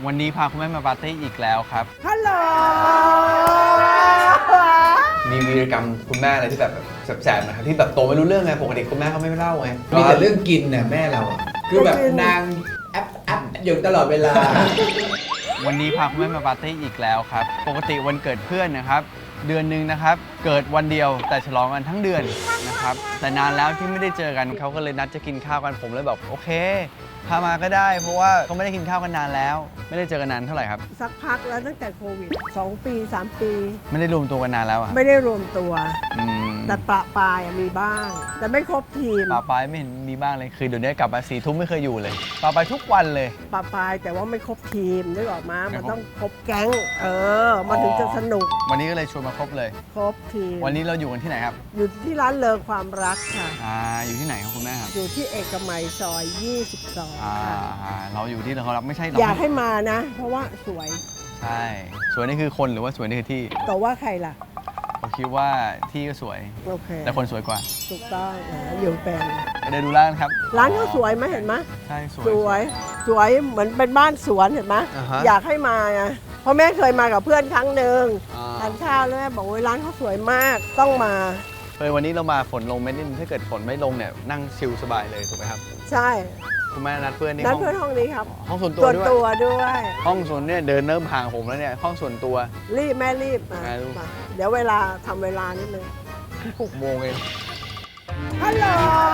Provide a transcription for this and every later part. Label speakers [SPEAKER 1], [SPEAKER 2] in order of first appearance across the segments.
[SPEAKER 1] วันนี้พาคุณแม่มาปาร์ตี้อีกแล้วครับ
[SPEAKER 2] ฮัลโหล
[SPEAKER 1] มีวีรกรรมคุณแม่อะไรที่แบบแสบๆนะครับที่แบบโตไม่รู้เรื่องไงปกติคุณแม่เขาไม่เล่าไง
[SPEAKER 3] มีแต่เรื่องกินน่ะแม่เราคือแบบนางแอปอยู่ตลอดเวลา
[SPEAKER 1] วันนี้พาคุณแม่มาปาร์ตี้อีกแล้วครับปกติวันเกิดเพื่อนนะครับเดือนหนึ่งนะครับเกิดวันเดียวแต่ฉลองกันทั้งเดือนนะครับแต่นานแล้วที่ไม่ได้เจอกันเขาก็เลยนัดจะกินข้าวกันผมเลยแบบโอเคพามาก็ได้เพราะว่าเขาไม่ได้กินข้าวกันนานแล้วไม่ได้เจอกันนานเท่าไหร่ครับ
[SPEAKER 2] สักพักแล้วตั้งแต่โควิด2 ปี 3 ปี
[SPEAKER 1] ไม่ได้รวมตัวกันนานแล้วอะ
[SPEAKER 2] ไม่ได้รวมตัว
[SPEAKER 1] แต่
[SPEAKER 2] ประปายมีบ้าง แต่ไม่ครบทีม
[SPEAKER 1] ปาปายไม่เห็นมีบ้างเลยคือเดี๋ยวนี้กลับมา4 ทุ่มไม่เคยอยู่เลยปาปายทุกวันเลย
[SPEAKER 2] ประปายแต่ว่าไม่ครบทีมนึกออกมามันต้องครบแก๊งมันถึงจะสนุก
[SPEAKER 1] วันนี้ก็เลยชวนมาครบเลย
[SPEAKER 2] ครบทีม
[SPEAKER 1] วันนี้เราอยู่กันที่ไหนครับ
[SPEAKER 2] อยู่ที่ร้านเลอความรักค่ะ
[SPEAKER 1] อยู่ที่ไหนครับคุณแม่ครับ
[SPEAKER 2] อยู่ที่เอกมัยซอย22
[SPEAKER 1] เราอยู่ที่เราครับไม่ใช่
[SPEAKER 2] อยากให้มานะเพราะว่าสวย
[SPEAKER 1] ใช่สวยนี่คือคนหรือว่าสวยนี่คือที่
[SPEAKER 2] แต่ว่าใครล่ะ
[SPEAKER 1] ผมคิดว่าที่ก็สวย
[SPEAKER 2] โอเค
[SPEAKER 1] แต่คนสวยกว่า
[SPEAKER 2] ถูกต้องอยู่เป็น
[SPEAKER 1] เดินดูร้านครับ
[SPEAKER 2] ร้านเขาสวยไหมเห็นไหม
[SPEAKER 1] ใช่ส
[SPEAKER 2] วยเหมือนเป็นบ้านสวนเห็นไหมอยากให้มาไงเพราะแม่เคยมากับเพื่อนครั้งหนึ่งทานข้าวแล้วแม่บอกว่าร้านเขาสวยมากต้องมา
[SPEAKER 1] วันนี้เรามาฝนลงไม่ได้ถ้าเกิดฝนไม่ลงเนี่ยนั่งชิลสบายเลยถูกไหมครับ
[SPEAKER 2] ใช่
[SPEAKER 1] คุณแม่นัดเพื่อนนี่
[SPEAKER 2] นัดเพื่อนห้องนี้ครับ
[SPEAKER 1] ห้องส่วนตัว
[SPEAKER 2] ด้วย
[SPEAKER 1] ห้องส่วนเนี่ยเดินเริ่มห่างผมแล้วเนี่ยห้องส่วนตัว
[SPEAKER 2] แม่รีบมาเดี๋ยวเวลาทำเวลานิดนึง
[SPEAKER 1] 6 โมงเอง
[SPEAKER 2] ฮัลโหล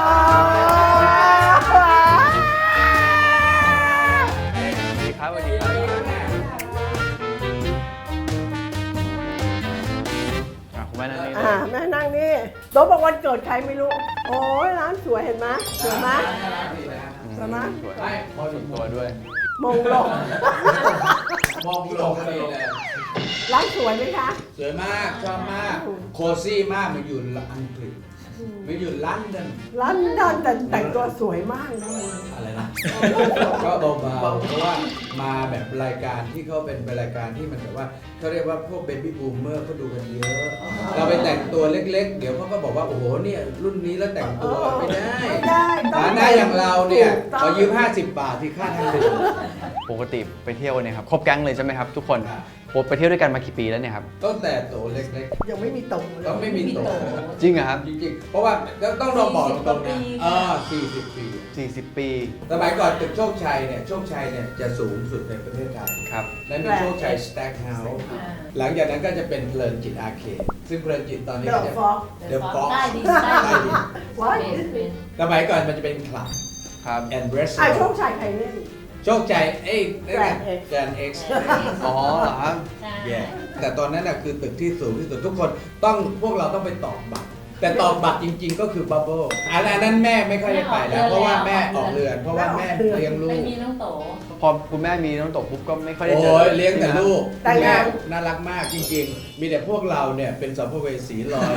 [SPEAKER 1] สวัสดีครับสวัสดีครับคุณแม่นั่งนี่
[SPEAKER 2] แม่นั่งนี่โต๊ะบอกวันเกิดใครไม่รู้โอ้ยร้านสวยเห็นไหมสวยไหมสวยไหม
[SPEAKER 1] สวยพอส่วนตัวด้วย
[SPEAKER 2] มองลง
[SPEAKER 3] เลย
[SPEAKER 2] ร้านสวยไหมคะ
[SPEAKER 3] สวยมากชอบมากโคซี่มากมาอยู่อังกฤษมาอยู่ลอนดอน
[SPEAKER 2] แต่แต่งตัวสวยมากนะ
[SPEAKER 3] อะไรนะก็เบาๆเพราะว่ามาแบบรายการที่เขาเป็นรายการที่มันแบบว่าเขาเรียกว่าพวกเบบี้บูมเมอร์เขาดูกันเยอะเราไปแต่งตัวเล็กๆเดี๋ยวเขาก็บอกว่าโอ้โหเนี่ยรุ่นนี้แล้วแต่งตัวไม่ได้ฐานะอย่างเราเนี่ยขอยืม50 บาทที่ค่าทางเดิน
[SPEAKER 1] ปกติไปเที่ยวเนี่ยครับครบแก๊งเลยใช่ไหมครับทุกคนไปเที่ยวด้วยกันมากี่ปีแล้วเนี่ยครับ
[SPEAKER 3] ตั้งแต่โตเล็ก
[SPEAKER 2] ๆยังไม่มีโต
[SPEAKER 3] ต้องไม่มีโต
[SPEAKER 1] จริงเหรอครับ
[SPEAKER 3] จริงๆเพราะว่าต้องลองบอกตรงๆนะ40 ปี
[SPEAKER 1] 40 ปี
[SPEAKER 3] สมัยก่อนตึกโชคชัยเนี่ยจะสูงสุดในประเทศไทย
[SPEAKER 1] ครับ
[SPEAKER 3] และมีโชคชัยสแต็กเฮาส์หลังจากนั้นก็จะเป็นเพลินจิตอาร์เคดซึ่งเพลินจิตตอนนี้ก็จะเดอะฟ็อก
[SPEAKER 2] ได้
[SPEAKER 3] ดิ
[SPEAKER 2] ส
[SPEAKER 3] มัยก่อนมันจะเป็นคลับ
[SPEAKER 1] ครับ
[SPEAKER 3] แอนด์เบรส
[SPEAKER 2] โชคชัยใครเล่น
[SPEAKER 3] โชคชัยแกรนเอ็กซ์
[SPEAKER 1] อ๋อเหรอครับ
[SPEAKER 3] แต่ตอนนั้นน่ะคือตึกที่สูงที่สุดทุกคนพวกเราต้องไปตอกบัตรแต่ตอกบัตรจริงๆก็คือบับเบิ้ลอันนั้นแม่ไม่ค่อยได้ไปแล้วเพราะว่าแม่ออกเรือนเพราะว่าแม่เลี้ยงลูก
[SPEAKER 4] ไม่มีน้องโต
[SPEAKER 1] พอคุณแม่มีน้องโตปุ๊บก็ไม่ค่อยได้เจอ
[SPEAKER 3] เลี้ยงแต่ลูกแม่น่ารักมากจริงๆมีแต่พวกเราเนี่ยเป็นสัมภเวสีลอย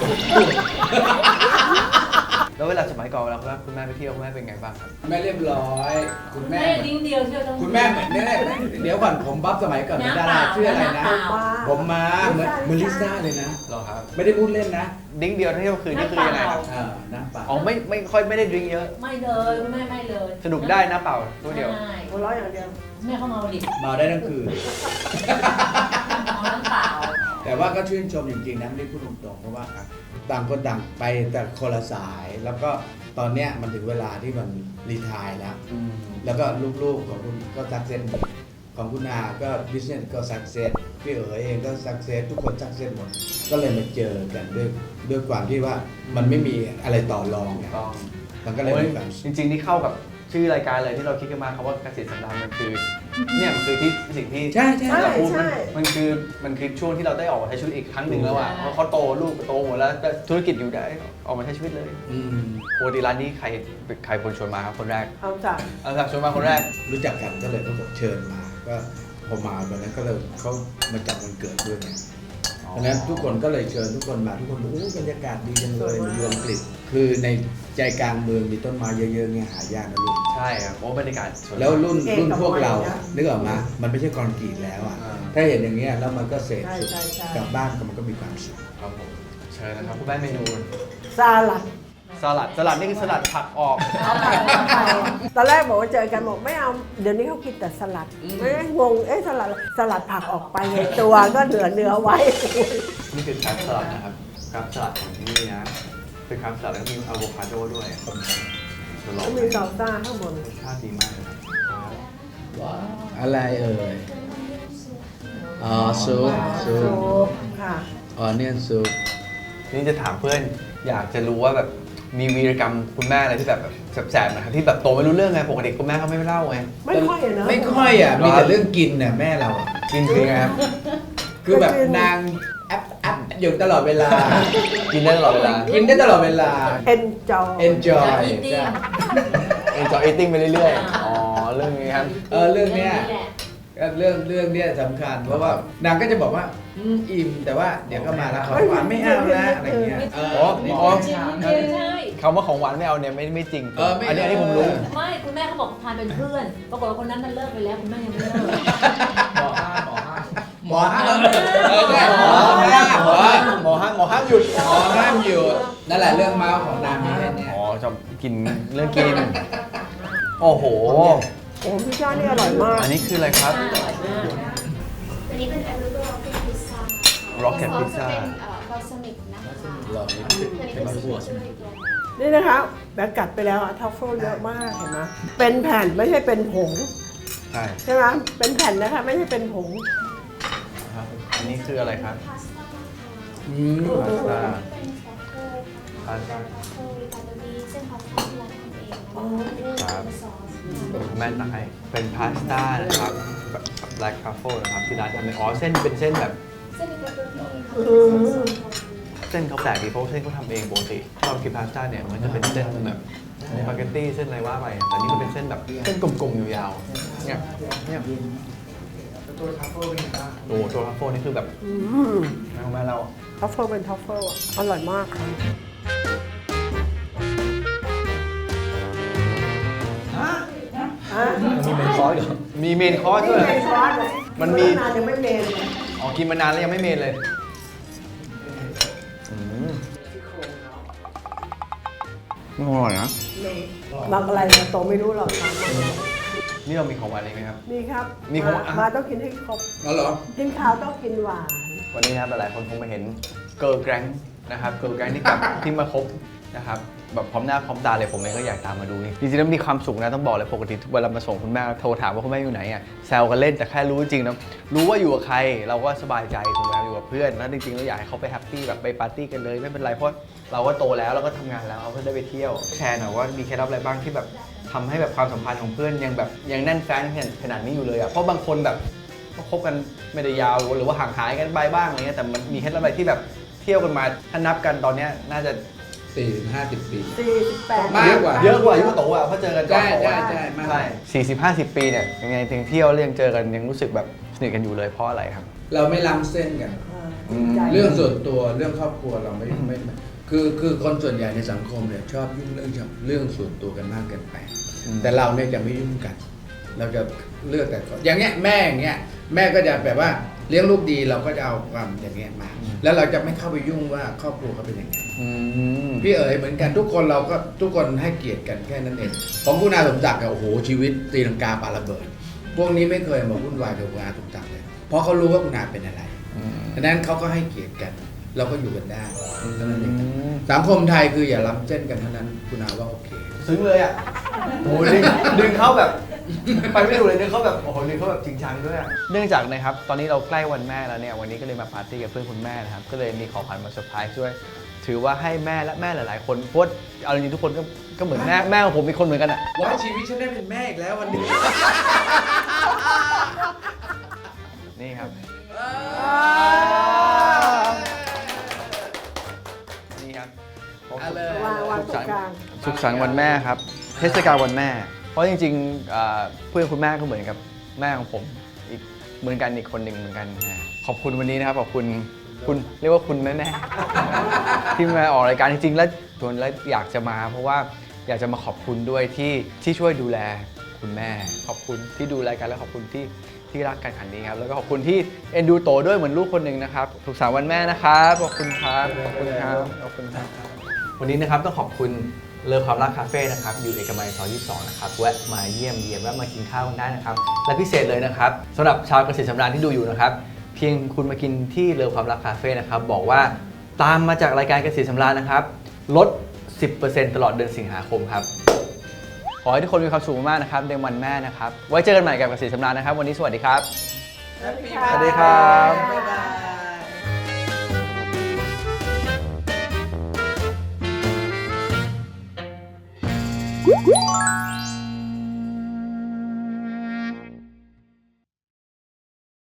[SPEAKER 1] แล้วเวลาสมัยก่อนเวลาคุณแม่ไปเที่ยวคุณแม่เป็นไงบ้างครับ
[SPEAKER 3] แม่เรียบร้อยคุณแม่
[SPEAKER 4] ดิ้งเดียวเที่ยวทั้ง
[SPEAKER 3] คุณแม่เหมือนเนี่ยเดี๋ยวก่อนผมบัฟสมัยก่อนเป็นดาราชื่ออะไรนะผมมาเหมือนลิซ่าเลยนะ
[SPEAKER 1] หรอครับ
[SPEAKER 3] ไม่ได้พูดเล่นนะ
[SPEAKER 1] ดิ้งเดียวเที่ยวคืนนี่คือยังไงครับ
[SPEAKER 3] น้ำเปล่า
[SPEAKER 1] ไม่ค่อยไม่ได้ดิ้งเยอะ
[SPEAKER 4] ไม่เลยไม่เลย
[SPEAKER 1] สนุกได้น้ำเปล่าตัวเดียว
[SPEAKER 2] หัวเราะอย่างเดียว
[SPEAKER 4] แม่เขาเมาดิ
[SPEAKER 3] เมาได้ทั้งคืน
[SPEAKER 4] น้ำเปล่า
[SPEAKER 3] แต่ว่าก็ชื่นชมจริงๆนะไม่ได้พูดตรงๆเพราะว่าต่างคนต่างไปแต่คนละสายแล้วก็ตอนเนี้ยมันถึงเวลาที่มันรีไทร์แล้วก็ลูกๆของคุณก็ซักเซสของคุณอาก็บิสเนสก็ซักเซสพี่เอ๋เองก็ซักเซสทุกคนซักเซสหมดก็เลยมาเจอกันด้วยความที่ว่ามันไม่มีอะไรต่อรองไงมันก็เลยมีแบบ
[SPEAKER 1] จริงๆที่เข้ากับชื่อรายการเลยที่เราคิดกันมาคำว่าเกษตรสำราญมันคือเนี่ยมันคือที่สิ่งที่เราพูดมันคือช่วงที่เราได้ออกมาใช้ชีวิตอีกครั้งหนึ่งแล้วอ่ะเพราะเขาโตลูกโตหมดแล้วธุรกิจอยู่ได้ออกมาใช้ชีวิตเลยปกติร้านนี้ใครคนชวนมาครับคนแรก
[SPEAKER 2] เอาจาก
[SPEAKER 1] ชวนมาคนแรก
[SPEAKER 3] รู้จักกันก็เลยเขาบอกเชิญมาก็พอมาตอนนั้นก็เลยเขามาจัดวันเกิดด้วยไงเพราะนั้นทุกคนก็เลยเชิญทุกคนมาทุกคนบอกบรรยากาศดีจังเลยมาอยู่อังกฤษคือในใจกลางเมืองมีต้นไม้เยอะๆเนี่ยหายากนะลูก
[SPEAKER 1] ใช่ครับโอ้บรรยากาศ
[SPEAKER 3] แล้วรุ่นพวกเรานึกออกมามันไม่ใช่คอนกรีตแล้วอ่ะถ้าเห็นอย่างเงี้ยแล้วมันก็เสร็จกลับบ้านก็มันก็มีความสุข
[SPEAKER 1] ครับผมเชิญนะครับคุณแม่เมนู
[SPEAKER 2] ซาลัด
[SPEAKER 1] สลัดนี่คือสลัดผักออก
[SPEAKER 2] ตอนแรกบอกว่าเจอกันบอกไม่เอาเดี๋ยวนี้เขากินแต่สลัดไม่ได้งงสลัดผักออกไปไงตัวก็เหลือไว้
[SPEAKER 1] นี่คือครับสลัดนะครับครับสลัดของที่นี่นะเป็นครับสลัดแล้วมีอะโวคาโดด้วยจะลอง
[SPEAKER 2] ก็มีซอสซ่าข้างบน
[SPEAKER 1] รสชาติดีมากเลยครับ
[SPEAKER 3] อะไรเอ่ยอ๋อซุป
[SPEAKER 2] ซุปค่ะ
[SPEAKER 3] ออนเนียนซุป
[SPEAKER 1] นี่จะถามเพื่อนอยากจะรู้ว่าแบบมีวีรกรรมคุณแม่อะไรที่แบบแสบๆนะครับที่แบบโตไม่รู้เรื่องไงปกติคุณแม่เขาไม่เล่าไง
[SPEAKER 2] ไม่ค่อยอะเนอะ
[SPEAKER 3] ไม่ค่อยอ่ะมีแต่เรื่องกินน่ะแม่เราอะ
[SPEAKER 1] กินคือไงครับ
[SPEAKER 3] คือแบบนางแอปอยู่ตลอดเวลา
[SPEAKER 1] กินได้ตลอดเวลา
[SPEAKER 3] กินได้ตลอดเวลา
[SPEAKER 2] enjoy
[SPEAKER 3] enjoy
[SPEAKER 1] enjoy eating ไปเรื่อยๆ อ๋อ เรื่องนี้ครับ
[SPEAKER 3] เรื่องเนี้ยเรื่องเนี้ยสำคัญเพราะว่านางก็จะบอกว่าอิ่มแต่ว่าเดี๋ยวก็มาแล้วของหวานไม่เอานะอะไรเงี้ย
[SPEAKER 4] จริงใช่
[SPEAKER 1] คำว่าของหวานไม่เอาเนี่ยไม่จริง
[SPEAKER 3] ไม่
[SPEAKER 1] อันนี้ผมรู้
[SPEAKER 4] ไม่คุณแม่เขาบอกทานเป็นเพื่อนปรากฏว่าคนนั้นมันเลิกไปแล้วคุณแม่ยังไม่เลิก
[SPEAKER 3] หมอห้ามใช่หมอห้ามหยุดนั่นแหละเรื่องเมาส์ของนางมีแค่เนี้ย
[SPEAKER 1] อ๋อจะกินเรื่องกิน โอ้โห
[SPEAKER 2] โอ้พี่จ้านี่อร่อยมาก
[SPEAKER 1] อันนี้คืออะไรครับ
[SPEAKER 4] อร่อยมาก
[SPEAKER 5] อันนี้เป็นแอปเปิลร็อกเก็ตพิซซ่า
[SPEAKER 1] Rocket Pizza
[SPEAKER 5] เป็นบอลซามิกนะคะ
[SPEAKER 3] หลอดนิด
[SPEAKER 5] อันนี้เป็นซีฟู้ดตัว
[SPEAKER 2] นี่นะคะแบบกัดไปแล้วอะทัฟเฟิลเยอะมากเห็นไหมเป็นแผ่นไม่ใช่เป็นผง
[SPEAKER 1] ใช่
[SPEAKER 2] ใช่ไหมเป็นแผ่นนะคะไม่ใช่เป็นผง
[SPEAKER 1] ครับ อันนี้คืออะไรครับ
[SPEAKER 5] พาสต้า
[SPEAKER 1] พาสต้า
[SPEAKER 5] เป็นทรัฟเฟิล
[SPEAKER 1] พาสต้า
[SPEAKER 5] ทรัฟเฟิลค่ะจะมีเส้นพาสต้าที่ร้านทำเองนะคะ
[SPEAKER 1] ครับ
[SPEAKER 5] เป็นซอส
[SPEAKER 1] คุณแม่ตักให้เป็นพาสต้านะครับแบบ black truffle นะครับที่ร้านทำเป็นเส้นเป็นเส้นแบบ
[SPEAKER 5] เส้นเป็นเปปเปอร์นี่ค่ะ
[SPEAKER 2] อืม
[SPEAKER 1] เส้นเขาแปลกดีเพราะว่าเส้นเขาทำเองปกติถ้าเรากินพาสต้าเนี่ยมันจะเป็นเส้นแบบสปาเกตตี้เส้นอะไรว่าไปแต่นี่มันเป็นเส้นแบบเส้นกลมๆยาวๆเนี่ยตัวทัฟเฟิลเป็นไงบ้างโอ้ตัวทัฟเฟิลนี่คือแบบ
[SPEAKER 2] อืม
[SPEAKER 1] แม่เรา
[SPEAKER 2] ทัฟเฟิลเป็นทัฟเฟิลอะอร่อยมากค่ะ
[SPEAKER 1] มีเมนคอร์สเหรอมีเมนคอร์ส
[SPEAKER 2] นี่
[SPEAKER 1] ด้วย
[SPEAKER 2] เมนคอร์สเลย
[SPEAKER 1] มันมี
[SPEAKER 2] นานยังไม่เมนเลย
[SPEAKER 1] อ๋อกินมานานแล้วยังไม่เมนเลยอร่อยนะ
[SPEAKER 2] บางอะไรเราโตไม่รู้หรอกค่ะ
[SPEAKER 1] นี่เรามีของหวานอะไรไหมครับ
[SPEAKER 2] นี่ครับ
[SPEAKER 1] มีของ
[SPEAKER 2] มาต้องกินให้ครบ
[SPEAKER 3] แล้วเหรอ
[SPEAKER 2] กินข้าวต้องกินหวาน
[SPEAKER 1] วันนี้นะครับหลายๆคนคงมาเห็นเกิร์ลแกรงนะครับเกิร์ลแกรงที่กลับ ที่มาคบนะครับแบบพร้อมหน้าพร้อมตาเลยผมเองก็อยากตามมาดูนี่จริงๆแล้วมีความสุขนะต้องบอกเลยปกติเวลามาส่งคุณแม่โทรถามว่าคุณแม่อยู่ไหนอ่ะแซวกันเล่นแต่แค่รู้จริงๆนะรู้ว่าอยู่กับใครเราก็สบายใจถูกไหมอยู่กับเพื่อนแล้วจริงๆเราอยากให้เขาไปแฮปปี้แบบไปปาร์ตี้กันเลยไม่เป็นไรเพราะเราก็โตแล้วเราก็ทำงานแล้วเราก็ได้ไปเที่ยวแชร์หน่อยว่ามีเคล็ดลับอะไรบ้างที่แบบทำให้แบบความสัมพันธ์ของเพื่อนยังแบบยังแน่นแฟ้นขนาดนี้อยู่เลยอ่ะเพราะบางคนแบบก็คบกันไม่ได้ยาวหรือว่าห่างหายกันไปบ้างอะไรเงี้ยแต่มันมีเคล็ดลับอะไรที่แบบเที่ยวกันมาถ้านับกันตอนเนี้ยน่าจะ
[SPEAKER 3] 40-50 ปี
[SPEAKER 2] 48
[SPEAKER 3] มากกว่า
[SPEAKER 1] เยอะกว่ายุคโตอ่ะเพราะเจอกันก่อน
[SPEAKER 3] ใช่มาก
[SPEAKER 1] ใช่40-50 ปีเนี่ยยังไงถึงเที่ยวแล้วยังเจอกันยังรู้สึกแบบสนิทกันอยู่เลยเพราะอะไรครับ
[SPEAKER 3] เราไม่ล้ำเส้นกัน
[SPEAKER 2] ใจ
[SPEAKER 3] เรื่องส่วนตัวเรื่องครอบครัวเราไม่คือคนส่วนใหญ่ในสังคมเนี่ยชอบยุ่งเรื่องส่วนตัวกันมากเกินไป แต่เราเนี่ยจะไม่ยุ่งกัน เราจะเลือกแต่อย่างเงี้ยแม่อย่างเงี้ยแม่ก็จะแบบว่าเลี้ยงลูกดีเราก็จะเอาความอย่างเงี้ยมา แล้วเราจะไม่เข้าไปยุ่งว่าครอบครัวเขาเป็นยังไง พี่เอ๋ยเหมือนกันทุกคนเราก็ทุกคนให้เกียรติกันแค่นั้นเองของคุณอาสมศักดิ์โอ้โหชีวิตตีลังกาปาระเบิด พวกนี้ไม่เคยมาวุ่นวายกับคุณอาสมศักดิ์เลยเพราะเขารู้ว่าคุณอาเป็นอะไรดังนั้นเขาก็ให้เกียรติกัน เราก็อยู่กันได้เท่านั้นเองสังคมไทยคืออย่าล้ำเส้นกันเท่านั้นคุณอาว่าโอเค
[SPEAKER 1] ซึ้งเลยอ่ะโอ้ดึงเขาแบบ ไปไม่ถูกเลยดึงเขาแบบโอ้โหดึงเขาแบบจริงจังด้วยอะเนื่องจากนะครับตอนนี้เราใกล้วันแม่แล้วเนี่ยวันนี้ก็เลยมาปาร์ตี้กับเพื่อนคุณแม่นะครับก็เลยมีของขวัญมาเซอร์ไพรส์ด้วย ถือว่าให้แม่และแม่หลายๆคนเพราะเอาจริงๆทุกคนก็เหมือนแม่ของผมมีคนเหมือนกันอ่ะ
[SPEAKER 3] ว่าชีวิตฉันได้เป็นแม่อีกแล้ววันนี้
[SPEAKER 1] นี่ครับนี่ครับ
[SPEAKER 3] เอาเลย
[SPEAKER 2] วางตรงกลาง
[SPEAKER 1] สุขสันต์วันแม่ครับเทศกาลวันแม่ เพราะจริงๆเพื่อนคุณแม่ก็เหมือนกับแม่ของผมอีกเหมือนกันอีกคนหนึ่งเหมือนกันขอบคุณวันนี้นะครับขอบคุณเรียกว่าคุณแม่ที่มาออกรายการจริงๆแล้วชวนแล้วอยากจะมาเพราะว่าอยากจะมาขอบคุณด้วยที่ช่วยดูแลคุณแม่ ขอบคุณที่ดูแลกันและขอบคุณที่รักกันขันนี้ครับแล้วก็ขอบคุณที่เอ็นดูโตด้วยเหมือนลูกคนหนึ่งนะครับสุขสันต์วันแม่นะครับขอบคุณครับขอบคุณครับขอบคุณครับวันนี้นะครับต้องขอบคุณเลอความรักคาเฟ่นะครับอยู่เอกมัยซอย22นะครับแวะมาเยี่ยมเยียนแวะมากินข้าวกันได้นะครับและพิเศษเลยนะครับสำหรับชาวเกษตรสำราญที่ดูอยู่นะครับเพียงคุณมากินที่เลอความรักคาเฟ่นะครับบอกว่าตามมาจากรายการเกษตรสำราญนะครับลด 10% ตลอดเดือนสิงหาคมครับขอให้ทุกคนมีความสุขมากนะครับในวันแม่นะครับไว้เจอกันใหม่กับเกษตรสำราญนะครับวันนี้สวัสดีครับ
[SPEAKER 2] สวัสดี
[SPEAKER 1] สวัสดีครับ
[SPEAKER 2] บ๊ายบาย